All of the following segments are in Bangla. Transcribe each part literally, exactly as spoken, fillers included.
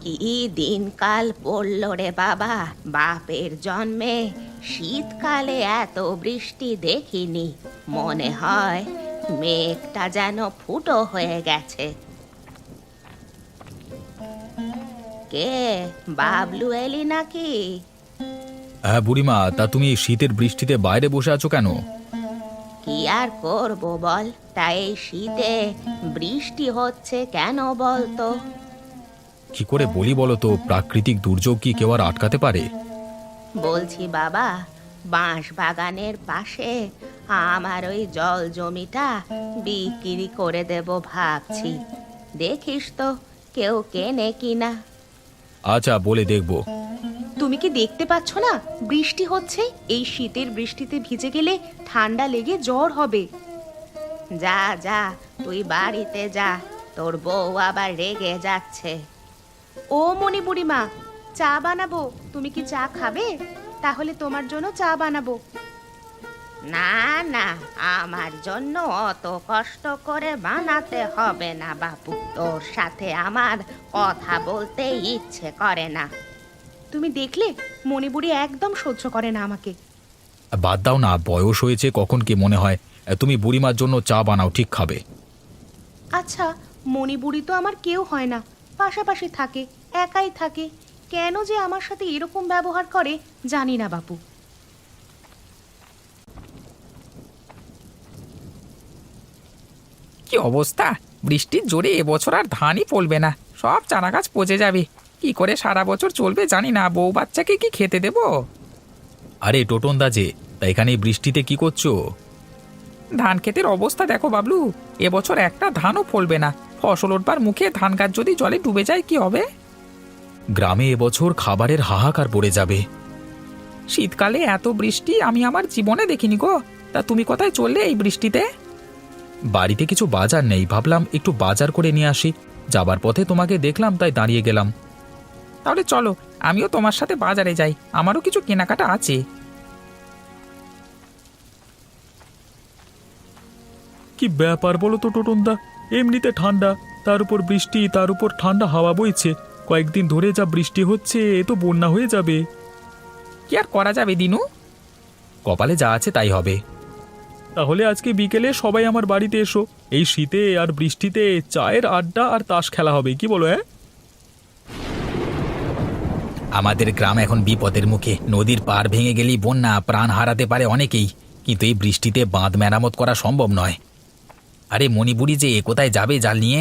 কি দিনকাল পড়ল রে বাবা, বাপের জন্মে শীতকালে এত বৃষ্টি দেখিনি। মনে হয় মেঘটা যেন ফুটো হয়ে গেছে। কে, বাবলু এলি নাকি? হ্যাঁ বুড়িমা, তা তুমি এই শীতের বৃষ্টিতে বাইরে বসে আছো কেন? কি আর করব বল, তাই এই শীতে বৃষ্টি হচ্ছে কেন বলতো? কি করে বলি বলো তো, প্রাকৃতিক দুর্যোগ কি কেউ আর আটকাতে পারে? বলছি বাবা, বাঁশ বাগানের পাশে আমার ওই জল জমিটা বিক্রি করে দেব ভাবছি। দেখিস তো কেউ কেনে কিনা। আচ্ছা, বলে দেখবো। তুমি কি দেখতে পাচ্ছ না বৃষ্টি হচ্ছে? এই শীতের বৃষ্টিতে ভিজে গেলে ঠান্ডা লেগে জ্বর হবে। যা যা, তুই বাড়িতে যা, তোর বউ আবার রেগে যাচ্ছে। ও মনি বুড়িমা, চা বানাবো, তুমি কি চা খাবে? তাহলে তোমার জন্য চা বানাবো। না না, আমার জন্য অত কষ্ট করে বানাতে হবে না বাপু, তোর সাথে আমার কথা বলতে ইচ্ছে করে না। তুমি দেখলে মণিবুড়ি একদম সহ্য করে না আমাকে। বাদ দাও না, বয়স হয়েছে, কখন কি মনে হয়। তুমি বুড়িমার জন্য চা বানাও, ঠিক খাবে। আচ্ছা, মণিবুড়ি তো আমার কেউ হয় না, পাশাপাশি থাকে, একাই থাকে, কেন যে আমার সাথে এরকম ব্যবহার করে জানি না বাপু। কি অবস্থা! বৃষ্টির জোরে এবছর আর ধানই ফলবে না, সব চারা গাছ পচে যাবে। কি করে সারা বছর চলবে জানি না, বউ বাচ্চাকে কি খেতে দেব? আরে টোটন দা যে, তা এখানে এই বৃষ্টিতে কি করছো? ধান ক্ষেতের অবস্থা দেখো বাবলু, এবছর একটা ধানও ফলবে না। ফসল ওঠবার মুখে ধান গাছ যদি জলে ডুবে যায় কি হবে? গ্রামে এবছর খাবারের হাহাকার পড়ে যাবে। শীতকালে এত বৃষ্টি আমি আমার জীবনে দেখিনি গো। তা তুমি কোথায় চললে এই বৃষ্টিতে? বাড়িতে কিছু বাজার নেই, ভাবলাম একটু বাজার করে নিয়ে আসি। যাবার পথে তোমাকে দেখলাম, তাই দাঁড়িয়ে গেলাম। তাহলে চলো, আমিও তোমার সাথে বাজারে যাই, আমারও কিছু কেনাকাটা আছে। কি ব্যাপার বলো তো টোটন দা, এমনিতে ঠান্ডা, তার উপর বৃষ্টি, তার উপর ঠান্ডা হাওয়া বইছে। কয়েকদিন ধরে যা বৃষ্টি হচ্ছে, এ তো বন্যা হয়ে যাবে। কি আর করা যাবে দিনু? কপালে যা আছে তাই হবে। তাহলে আজকে বিকেলে সবাই আমার বাড়িতে এসো, এই শীতে আর বৃষ্টিতে চায়ের আড্ডা আর তাস খেলা হবে, কি বলো? হ্যাঁ, আমাদের গ্রাম এখন বিপদের মুখে, নদীর পাড় ভেঙে গেলেই বন্যা, প্রাণ হারাতে পারে অনেকেই। কিন্তু এই বৃষ্টিতে বাঁধ মেরামত করা সম্ভব নয়। আরে মণিপুরি যে কোথায় যাবে জাল নিয়ে?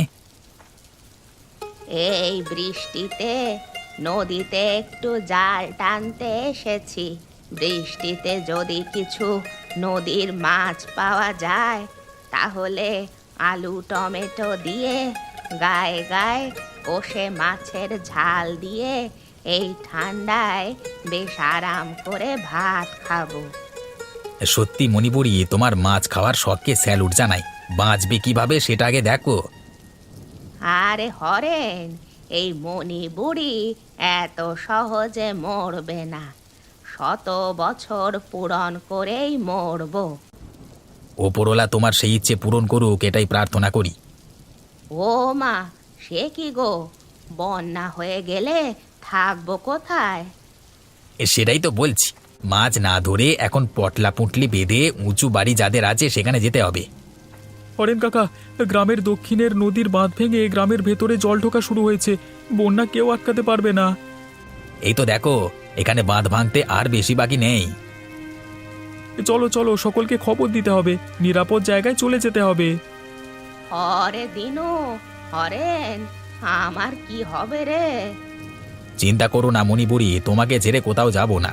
এই বৃষ্টিতে নদীতে একটু জাল টানতে এসেছি। বৃষ্টিতে যদি কিছু নদীর মাছ পাওয়া যায় তাহলে আলু টমেটো দিয়ে গায়ে গায়ে কষে মাছের ঝাল দিয়ে এই ঠান্ডায় বেশ আরাম করে ভাত খাবো। সত্যি মণিপুরি, তোমার মাছ খাওয়ার শখকে স্যালুট জানাই। বাঁচবে কিভাবে সেটা আগে দেখো। আরে হরেন, এই মণি বুড়ি এত সহজে মরবে না, শত বছর পূরণ করেই মরবো। ওপরওয়ালা তোমার সেই ইচ্ছে পূরণ করুক, এটাই প্রার্থনা করি। ও মা, সে কি গো, বন্যা হয়ে গেলে থাকবো কোথায়? এ, সেটাই তো বলছি, মাছ না ধরে এখন পটলা পুঁটলি বেঁধে উঁচু বাড়ি যাদের আছে সেখানে যেতে হবে। হরেন কাকা, গ্রামের দক্ষিণের নদীর বাঁধ ভেঙে গ্রামের ভেতরে জল ঢোকা শুরু হয়েছে, বন্যা কেউ আটকাতে পারবে না। এই তো দেখো, এখানে বাঁধ ভাঙতে আর বেশি বাকি নেই। চলো চলো, সকলকে খবর দিতে হবে, নিরাপদ জায়গায় চলে যেতে হবে। হরে দিনু, হরেন, আমার কি হবে রে? চিন্তা করো না মণিপুরি, তোমাকে ছেড়ে কোথাও যাব না।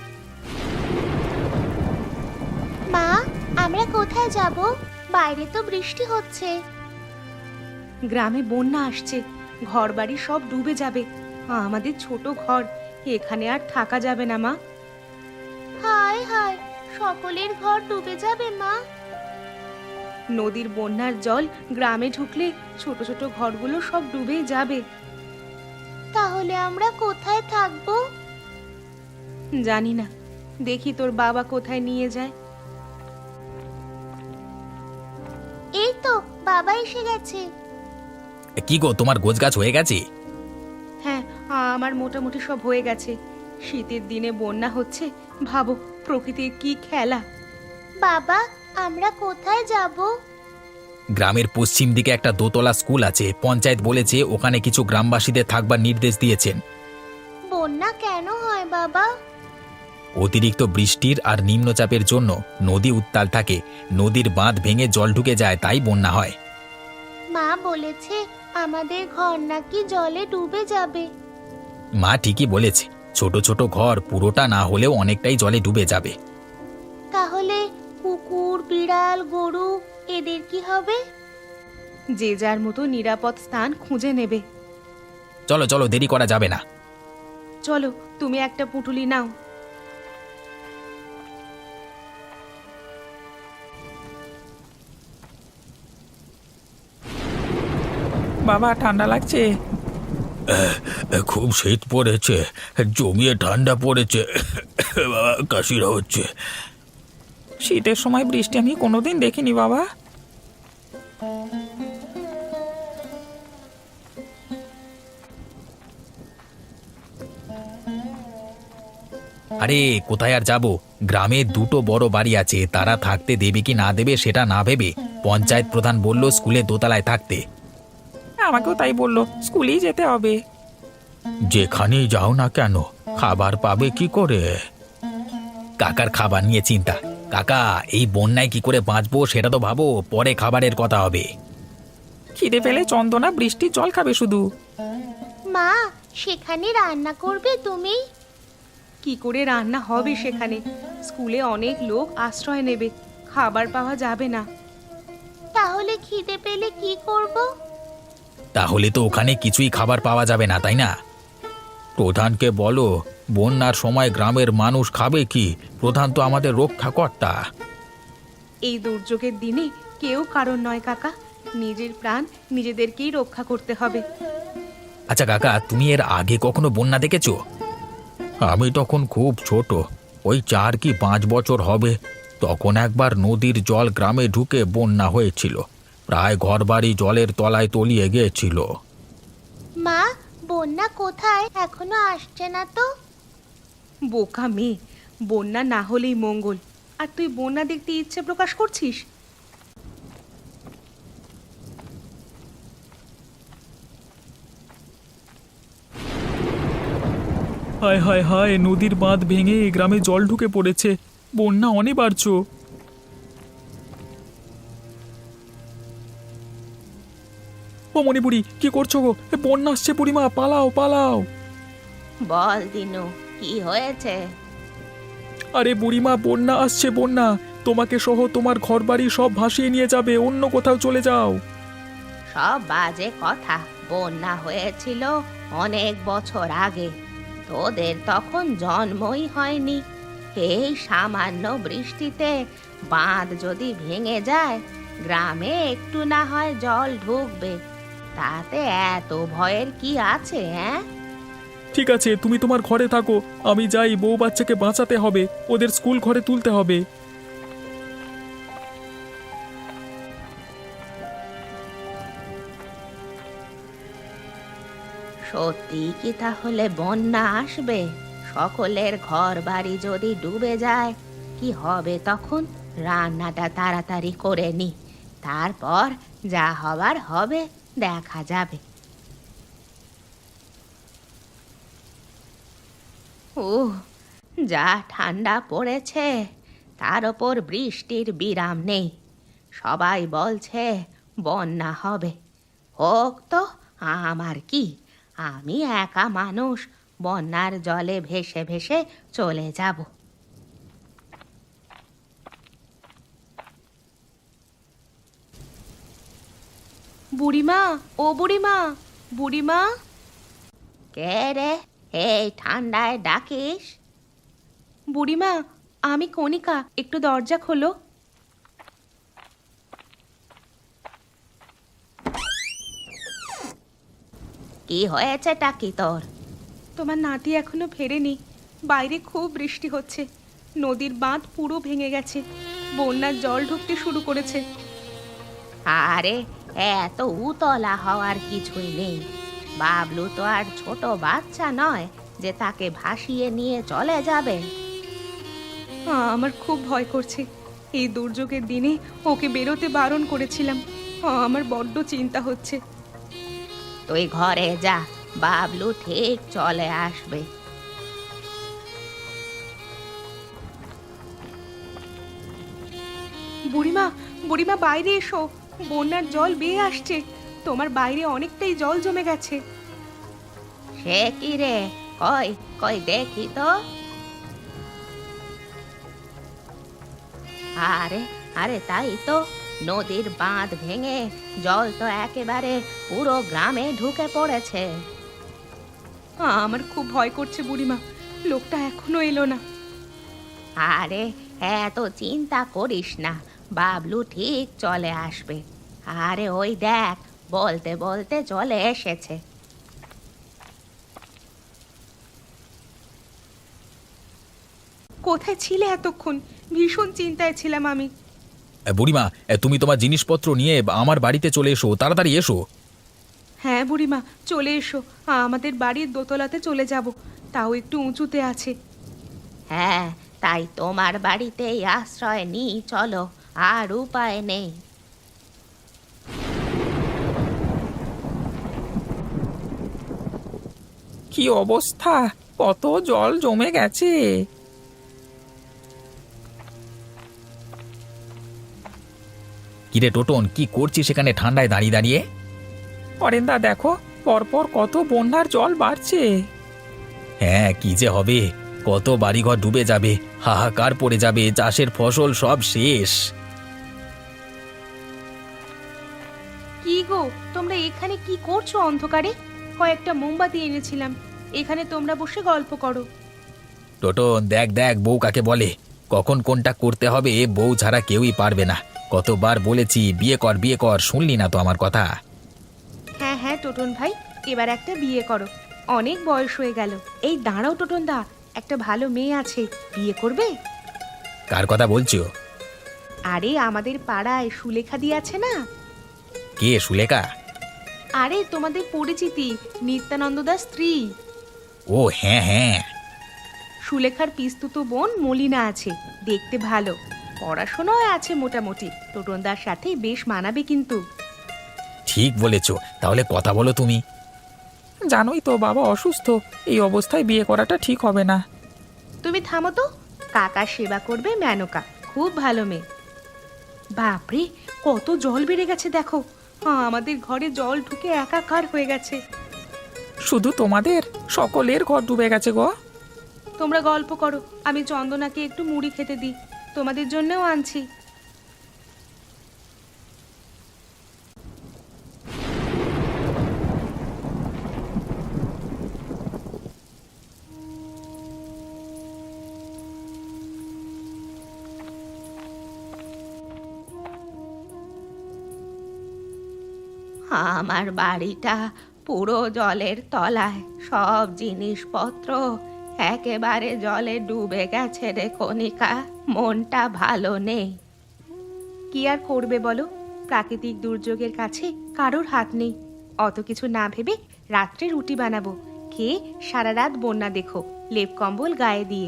মা, আমরা কোথায় যাব? বাইরে তো বৃষ্টি হচ্ছে। গ্রামে বন্যা আসছে, ঘরবাড়ি সব ডুবে যাবে। আমাদের ছোট ঘর, এখানে আর থাকা যাবে না মা। হায় হায়, সকলের ঘর ডুবে যাবে মা। নদীর বন্যার জল গ্রামে ঢুকলে ছোট ছোট ঘরগুলো সব ডুবেই যাবে। তাহলে আমরা কোথায় থাকবো? জানি না, দেখি তোর বাবা কোথায় নিয়ে যায়। এই তো বাবা এসে গেছে। কি গো, তোমার গোছগাছ হয়ে গেছে? হ্যাঁ, আমার মোটামুটি সব হয়ে গেছে। শীতের দিনে বন্যা হচ্ছে, ভাবো প্রকৃতির কি খেলা। বাবা, আমরা কোথায় যাব? গ্রামের পশ্চিম দিকে একটা দোতলা স্কুল আছে, পঞ্চায়েত বলেছে ওখানে কিছু গ্রামবাসীদের থাকবার নির্দেশ দিয়েছেন। বন্যা কেন হয় বাবা? অতিরিক্ত বৃষ্টির আর নিম্নচাপের জন্য নদী উত্তাল থাকে, নদীর বাঁধ ভেঙে জল ঢুকে যায়, তাই বন্যা হয়। মা বলেছে আমাদের ঘর নাকি জলে ডুবে যাবে। মা ঠিকই বলেছে, ছোট ছোট ঘর পুরোটা না হলেও অনেকটাই জলে ডুবে যাবে। তাহলে কুকুর, বিড়াল, গরু এদের কি হবে? যে যার মতো নিরাপদ স্থান খুঁজে নেবে। চলো চলো, দেরি করা যাবে না। চলো, তুমি একটা পুঁটুলি নাও। বাবা ঠান্ডা লাগছে। খুব শীত পড়েছে, জমিয়ে ঠান্ডা পড়েছে, কাশিরা হচ্ছে। শীতের সময় বৃষ্টি আমি কোনোদিন দেখিনি বাবা। আরে কোথায় আর যাব, গ্রামে দুটো বড় বাড়ি আছে, তারা থাকতে দেবে কি না দেবে সেটা না ভেবে পঞ্চায়েত প্রধান বলল স্কুলে দোতলায় থাকতে। আমাকেও তাই বললো, স্কুলেই যেতে হবে। যেখানেই যাও না কেন, খাবার পাবে কি করে? কাকার খাবার নিয়ে চিন্তা। কাকা, এই বন্যায় কি করে বাঁচবো সেটা তো ভাবো, পরে খাবারের কথা হবে। খিদে পেলে চন্দনা বৃষ্টির জল খাবে শুধু। মা, সেখানে রান্না করবে তুমি? কি করে রান্না হবে সেখানে? স্কুলে অনেক লোক আশ্রয় নেবে, খাবার পাওয়া যাবে না। তাহলে খিদে পেলে কি করব? তাহলে তো ওখানে কিছুই খাবার পাওয়া যাবে না, তাই না? প্রধানকে বলো, বন্যার সময় গ্রামের মানুষ খাবে কি? প্রধান তো আমাদের রক্ষাকর্তা। এই দুর্যোগের দিনে কেউ কারণ নয় কাকা, নিজের প্রাণ নিজেদেরকেই রক্ষা করতে হবে। আচ্ছা কাকা, তুমি এর আগে কখনো বন্যা দেখেছো? আমি তখন খুব ছোট, ওই চার কি পাঁচ বছর হবে। তখন একবার নদীর জল গ্রামে ঢুকে বন্যা হয়েছিল, প্রায় ঘরবাড়ি জলের তলায় তলিয়ে গিয়েছিল। মা, বন্যা কোথায়? এখনো আসছে না তো। বোকা মেয়ে, বন্যা না হলেই মঙ্গল, আর তুই বন্যা দেখতে ইচ্ছে প্রকাশ করছিস? হায় হায় হায়, নদীর বাঁধ ভেঙে গ্রামে জল ঢুকে পড়েছে, বন্যা অনিবার্য। ও মণিপুরি, কি করছো গো? এ বন্যা আসছে, বুড়িমা পালাও পালাও। বল দিনু, কি হয়েছে? আরে বুড়িমা, বন্যা আসছে, বন্যা তোমাকে সহ তোমার ঘরবাড়ি সব ভাসিয়ে নিয়ে যাবে, অন্য কোথাও চলে যাও। সব বাজে কথা। বন্যা হয়েছিল অনেক বছর আগে, তোদের তখন জন্মই হয়নি। এই সামান্য বৃষ্টিতে বাঁধ যদি ভেঙে যায়, গ্রামে একটু না হয় জল ঢুকবে, তাতে এত ভয়ের কি আছে? হ্যাঁ, ঠিক আছে, তুমি তোমার ঘরে থাকো, আমি যাই, বউ বাচ্চাকে বাঁচাতে হবে, ওদের স্কুল ঘরে তুলতে হবে। সত্যি কি তাহলে বন্যা আসবে? সকলের ঘর বাড়ি যদি ডুবে যায়, কি হবে তখন? রান্নাটা তাড়াতাড়ি করে নি, তারপর যা হবার হবে দেখা যাবে। ও, যা ঠান্ডা পড়েছে, তার ওপর বৃষ্টির বিরাম নেই। সবাই বলছে বন্যা হবে। হোক তো, আমার কি? আমি একা মানুষ, বন্যার জলে ভেসে ভেসে চলে যাব। বুড়িমা, ও বুড়িমা, বুড়িমা। কে রে, এই ঠান্ডায় ডাকিস? বুড়িমা, আমি কণিকা, একটু দরজা খোলো। কি হয়েছে টাকি তোর? তোমার নাতি এখনো ফেরেনি, বাইরে খুব বৃষ্টি হচ্ছে, নদীর বাঁধ পুরো ভেঙে গেছে, বন্যার জল ঢুকতে শুরু করেছে। আরে এত উতলা হওয়ার কিছুই নেই, বাবলু তো আর ছোট বাচ্চা নয় যে তাকে ভাসিয়ে নিয়ে চলে যাবে। আমার খুব ভয় করছে। এই দুর্যোগের দিনে ওকে বেরোতে বারণ করেছিলাম। আমার বড্ড চিন্তা হচ্ছে। তুই ঘরে যা, বাবলু ঠিক চলে আসবে। বুড়িমা, বুড়িমা বাইরে এসো, বন্যার জল বেয়ে আসছে। তোমার বাইরে অনেকটাই জল জমে গেছে। সে কি রে, কই কই দেখি তো। আরে আরে তাই তো, নদীর বাঁধ ভেঙে জল তো একেবারে পুরো গ্রামে ঢুকে পড়েছে। আমার খুব ভয় করছে বুড়িমা, লোকটা এখনো এলো না। আরে এত চিন্তা করিস না, বাবলু ঠিক চলে আসবে। আরে ওই দেখ, বলতে বলতে চলে এসেছে। কোথায় ছিলে এতক্ষণ? ভীষণ চিন্তায় ছিলাম আমি। এ, বুড়িমা, এ, তুমি তোমার জিনিসপত্র নিয়ে আমার বাড়িতে চলে এসো, তাড়াতাড়ি এসো। হ্যাঁ বুড়িমা, চলে এসো। আমাদের বাড়ির দোতলাতে চলে যাব, তাও একটু উঁচুতে আছে। হ্যাঁ, তাই তোমার বাড়িতেই আশ্রয় নিই চলো, আর উপায় নেই। কি অবস্থা, কত জল জমে গেছে। কিরে টোটন, কি করছিস সেখানে ঠান্ডায় দাঁড়িয়ে দাঁড়িয়ে? অরেন্দা দেখো, পরপর কত বন্যার জল বাড়ছে। হ্যাঁ, কি যে হবে, কত বাড়িঘর ডুবে যাবে, হাহাকার পড়ে যাবে, চাষের ফসল সব শেষ। কি গো, তোমরা এখানে কি করছো অন্ধকারে? কয়েকটা মোমবাতি এনেছিলাম, এখানে তোমরা বসে গল্প করো। টোটন দেখ দেখ, বউ কাকে বলে, কখন কোনটা করতে হবে বউ ছাড়া কেউই পারবে না। কতবার বলেছি বিয়ে কর বিয়ে কর, শুনলি না তো আমার কথা। হ্যাঁ হ্যাঁ টোটন ভাই, এবার একটা বিয়ে করো, অনেক বয়স হয়ে গেল। এই দাঁড়াও টোটন দা, একটা ভালো মেয়ে আছে, বিয়ে করবে? কার কথা বলছো? আরে আমাদের পাড়ায় সুলেখা দি আছে না? কে সুলেখা? আরে তোমাদের পরিচিতি, নিত্যানন্দ দাস স্ত্রী। ও হ্যাঁ হ্যাঁ। সুলেখার পিস্তুতো বোন মলিনা আছে, দেখতে ভালো, পড়াশোনাও আছে মোটামুটি। টোটনদার সাথে বেশ মানাবে কিন্তু। ঠিক বলেছ, তাহলে কথা বলো তুমি। জানোই তো বাবা অসুস্থ, এই অবস্থায় বিয়ে করাটা ঠিক হবে না। তুমি থামো তো, কাকার সেবা করবে মেনকা, খুব ভালো মেয়ে। বাপরে, কত জল বেড়ে গেছে দেখো। হ্যাঁ, আমাদের ঘরে জল ঢুকে একাকার হয়ে গেছে। শুধু তোমাদের? সকলের ঘর ডুবে গেছে গো। তোমরা গল্প করো, আমি চন্দনাকে একটু মুড়ি খেতে দিই, তোমাদের জন্যও আনছি। আমার বাড়িটা পুরো জলের তলায়, সব জিনিসপত্র একেবারে জলে ডুবে গেছে রে কণিকা, মনটা ভালো নেই। কি আর করবে বলো, প্রাকৃতিক দুর্যোগের কাছে কারোর হাত নেই। অত কিছু না ভেবে রাত্রে রুটি বানাবো, খেয়ে সারা রাত বন্যা দেখো, লেপ কম্বল গায়ে দিয়ে।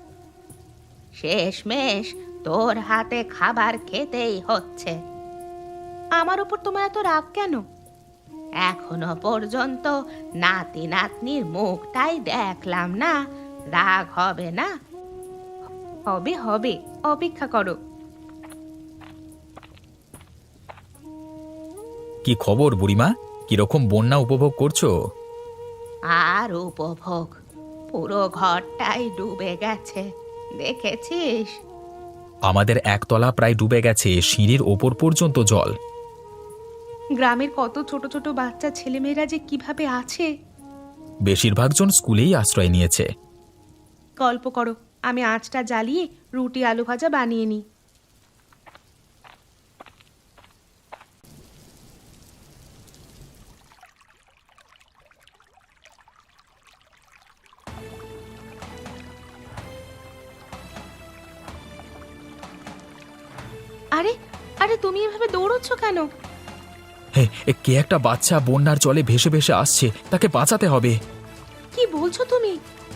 শেষমেশ তোর হাতে খাবার খেতেই হচ্ছে। আমার ওপর তোমার এত রাগ কেন? এখনো পর্যন্ত নাতি নাতনির মুখটাই দেখলাম না, রাগ হবে না? হবে হবে, অপেক্ষা করো। কি খবর বুড়িমা, কিরকম বন্যা উপভোগ করছো? আর উপভোগ, পুরো ঘরটাই ডুবে গেছে, দেখেছিস? আমাদের একতলা প্রায় ডুবে গেছে, সিঁড়ির ওপর পর্যন্ত জল। গ্রামের কত ছোট ছোট বাচ্চা ছেলেমেয়েরা যে কিভাবে আছে। বেশিরভাগ জন স্কুলেই আশ্রয় নিয়েছে। গল্প করো, আমি আঁচটা জ্বালিয়ে রুটি আলু ভাজা বানিয়ে নিই। আরে আরে তুমি এভাবে দৌড়চ্ছ কেন? হে এ কে একটা বাচ্চা বন্যার জলে ভেসে ভেসে আসছে, তাকে বাঁচাতে হবে। কি বলছো তুমি?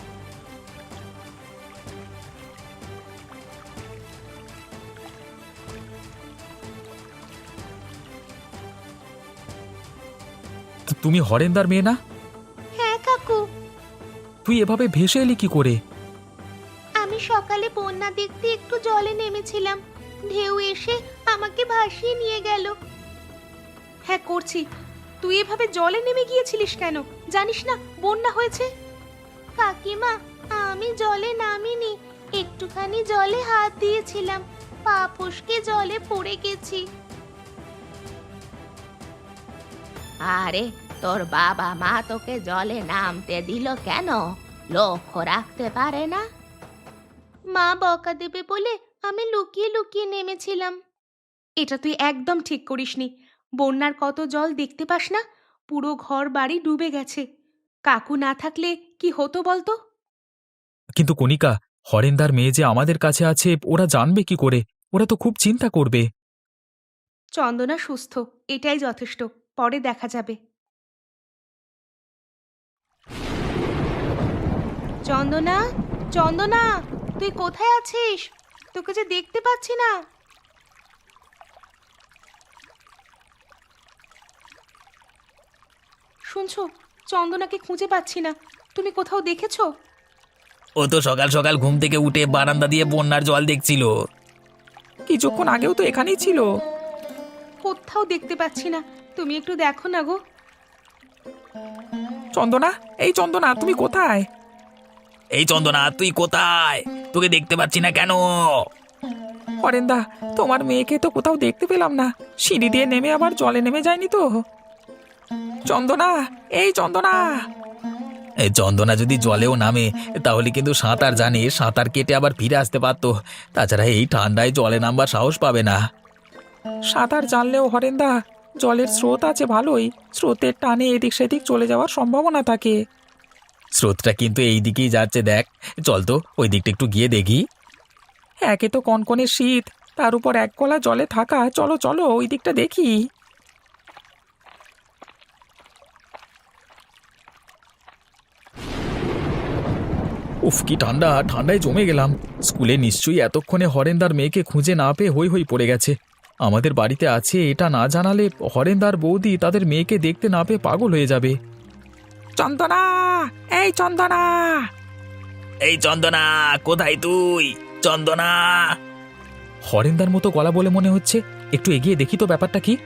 তু- তুমি হরেন্দার মেয়ে না? হ্যাঁ কাকু, তুই এভাবে ভেসে এলি কি করে? আমি সকালে বন্যা দেখতে একটু জলে নেমেছিলাম, ঢেউ এসে আমাকে ভাসিয়ে নিয়ে গেল। হ্যাঁ করছি। তুই এভাবে জলে নেমে গিয়েছিলিস কেন? জানিস না বন্যা হয়েছে? কাকিমা, আমি জলে নামিনি, একটুখানি জলে হাত দিয়েছিলাম, পা ফসকে জলে পড়ে গেছি। আরে তোর বাবা মা তোকে জলে নামতে দিল কেন? লক্ষ্য রাখতে পারে না? মা বকা দেবে বলে আমি লুকিয়ে লুকিয়ে নেমেছিলাম। এটা তুই একদম ঠিক করিসনি। বন্যার কত জল দেখতে পাস না? পুরো ঘর বাড়ি ডুবে গেছে। কাকু না থাকলে কি হতো বলতো? কিন্তু কণিকা, হরেন্দার মেয়ে যে আমাদের কাছে আছে ওরা জানবে কি করে? ওরা তো খুব চিন্তা করবে। চন্দনা সুস্থ, এটাই যথেষ্ট। পরে দেখা যাবে। চন্দনা, চন্দনা, তুই কোথায় আছিস? তোকে যে দেখতে পাচ্ছি না। শুনছো, চন্দনাকে খুঁজে পাচ্ছি না। তুমি কোথাও দেখেছো? ও তো সকাল সকাল ঘুম থেকে উঠে বারান্দা দিয়ে বন্যার জল দেখছিল। কিছুক্ষণ আগেও তো এখানেই ছিল। কোথাও দেখতে পাচ্ছি না। তুমি একটু দেখো না গো। চন্দনা, এই চন্দনা, তুমি কোথায়? এই চন্দনা, তুই কোথায়? তোকে দেখতে পাচ্ছি না কেন? হরেন্দা, তোমার মেয়েকে তো কোথাও দেখতে পেলাম না। সিঁড়ি দিয়ে নেমে আবার জলে নেমে যায়নি তো? চন্দনা, এই চন্দনা। এই চন্দনা যদি জলেও নামে তাহলে কিন্তু সাঁতার জানে, সাঁতার কেটে আবার ফিরে আসতে পারতো। তাছাড়া এই ঠান্ডায় জলে নামবার সাহস পাবে না। সাঁতার জানলেও হরেন্দা, জলের স্রোত আছে ভালোই, স্রোতের টানে এদিক সেদিক চলে যাওয়ার সম্ভাবনা থাকে। স্রোতটা কিন্তু এই দিকেই যাচ্ছে, দেখ। চল তো ওই দিকটা একটু গিয়ে দেখি। একে তো কনকনে শীত, তার উপর এক গলা জলে থাকা। চলো চলো ওই দিকটা দেখি। উফ, কি ঠান্ডা! ঠান্ডায় জমে গেলাম। স্কুলে নিশ্চয়ই এতক্ষণে হরেন্দার মেয়েকে খুঁজে না পেয়ে হই হই পড়ে গেছে। আমাদের বাড়িতে আছে এটা না জানালে হরেন্দার বৌদি তাদের মেয়েকে দেখতে না পেয়ে পাগল হয়ে যাবে। চন্দনা, এই চন্দনা। এই চন্দনা, কোথায় তুই? চন্দনা! হরেন্দার মতো গলা বলে মনে হচ্ছে। একটু এগিয়ে দেখি তো ব্যাপারটা কি।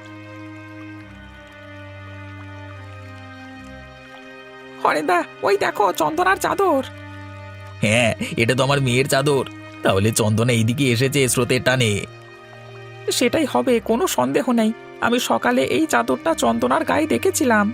হরেন্দা, ওই দেখো চন্দনার চাদর। হ্যাঁ, এটা তো আমার মেয়ের চাদর। তাহলে চন্দনা এইদিকে এসেছে স্রোতের টানে। সেটাই হবে, কোনো সন্দেহ নেই। আমি সকালে এই চাদরটা চন্দনার গায়ে দেখেছিলাম।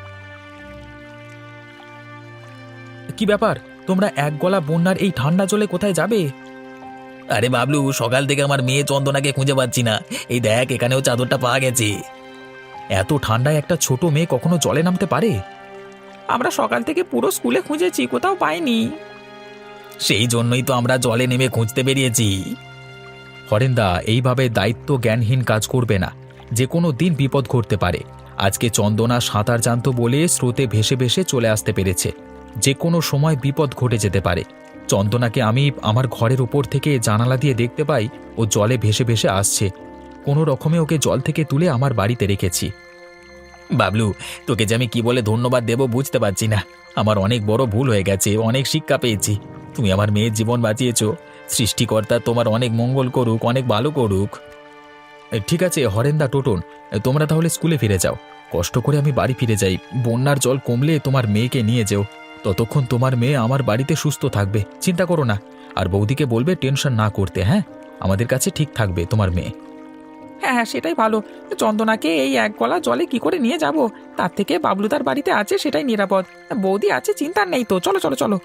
কি ব্যাপার, তোমরা এক গলা বন্যার এই ঠান্ডা জলে কোথায় যাবে? আরে বাবলু, সকাল থেকে আমার মেয়ে চন্দনাকে খুঁজে পাচ্ছি না। এই দেখ, এখানেও চাদরটা পাওয়া গেছে। এত ঠান্ডায় একটা ছোট মেয়ে কখনো জলে নামতে পারে? আমরা সকাল থেকে পুরো স্কুলে খুঁজেছি, কোথাও পাইনি। সেই জন্যই তো আমরা জলে নেমে খুঁজতে বেরিয়েছি। হরেন্দা, এইভাবে দায়িত্ব জ্ঞানহীন কাজ করবে না। যে কোনো দিন বিপদ ঘটতে পারে। আজকে চন্দনা সাঁতার জানতো বলে স্রোতে ভেসে ভেসে চলে আসতে পেরেছে। যে কোনো সময় বিপদ ঘটে যেতে পারে। চন্দনাকে আমি আমার ঘরের উপর থেকে জানালা দিয়ে দেখতে পাই ও জলে ভেসে ভেসে আসছে। কোনো রকমে ওকে জল থেকে তুলে আমার বাড়িতে রেখেছি। বাবলু, তোকে যে আমি কি বলে ধন্যবাদ দেব বুঝতে পারছি না। আমার অনেক বড় ভুল হয়ে গেছে, অনেক শিক্ষা পেয়েছি। তুমি আমার মেয়ের জীবন বাঁচিয়েছো। সৃষ্টিকর্তা তোমার অনেক মঙ্গল করুক, অনেক ভালো করুক। এ, ঠিক আছে হরেন্দা, টোটন, এ, তোমরা তাহলে স্কুলে ফিরে যাও। কষ্ট করে আমি বাড়ি ফিরে যাই। বন্যার জল কমলে তোমার মেয়েকে নিয়ে যেও। ততক্ষণ তোমার মেয়ে আমার বাড়িতে সুস্থ থাকবে, চিন্তা করো না। আর বৌদিকে বলবে টেনশন না করতে। হ্যাঁ, আমাদের কাছে ঠিক থাকবে তোমার মেয়ে। হ্যাঁ হ্যাঁ, সেটাই ভালো। চন্দনাকে এই এক গলা জলে কি করে নিয়ে যাব? তার থেকে বাবলুদার বাড়িতে আছে, সেটাই নিরাপদ। বৌদি আছে, চিন্তা নেই তো। চলো চলো চলো।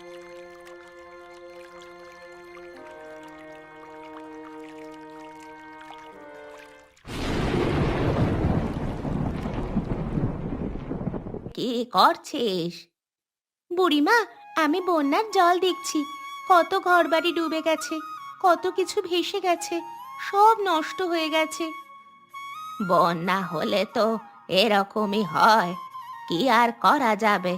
কি করছিস? বুড়িমা, আমি বন্যার জল দেখছি। কত ঘরবাড়ি ডুবে গেছে, কত কিছু ভেসে গেছে, সব নষ্ট হয়ে গেছে। বন্যা হলে তো এরকমই হয়, কি আর করা যাবে।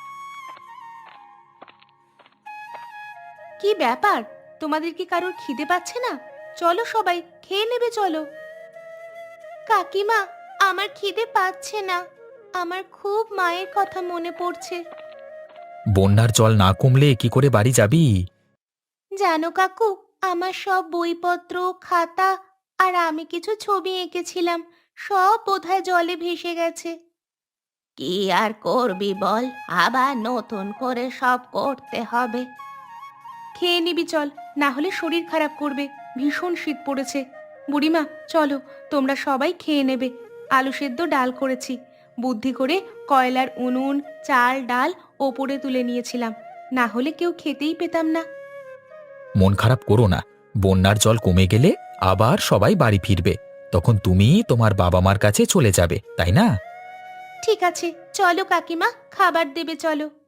কি ব্যাপার, তোমাদের কি কারোর খিদে পাচ্ছে না? চলো সবাই খেয়ে নেবে, চলো। কাকিমা, আমার খিদে পাচ্ছে না। আমার খুব মায়ের কথা মনে পড়ছে। বন্যার জল না কমলে কি করে বাড়ি যাবি? জানো কাকু, আমার সব বইপত্র, খাতা আর আমি কিছু ছবি এঁকেছিলাম, সব বোধহয় জলে ভেসে গেছে। কি আর করবি বল, আবার নতুন করে সব করতে হবে। খেয়ে নিবি চল, না হলে শরীর খারাপ করবে। ভীষণ শীত পড়েছে। বুড়িমা, চলো, তোমরা সবাই খেয়ে নেবে। আলু সেদ্ধ ডাল করেছি। বুদ্ধি করে কয়লার উনুন, চাল ডাল ওপরে তুলে নিয়েছিলাম, না হলে কেউ খেতেই পেতাম না। মন খারাপ করো না, বন্যার জল কমে গেলে আবার সবাই বাড়ি ফিরবে। তখন তুমি তোমার বাবা মার কাছে চলে যাবে, তাই না? ঠিক আছে, চলো কাকিমা, খাবার দেবে চলো।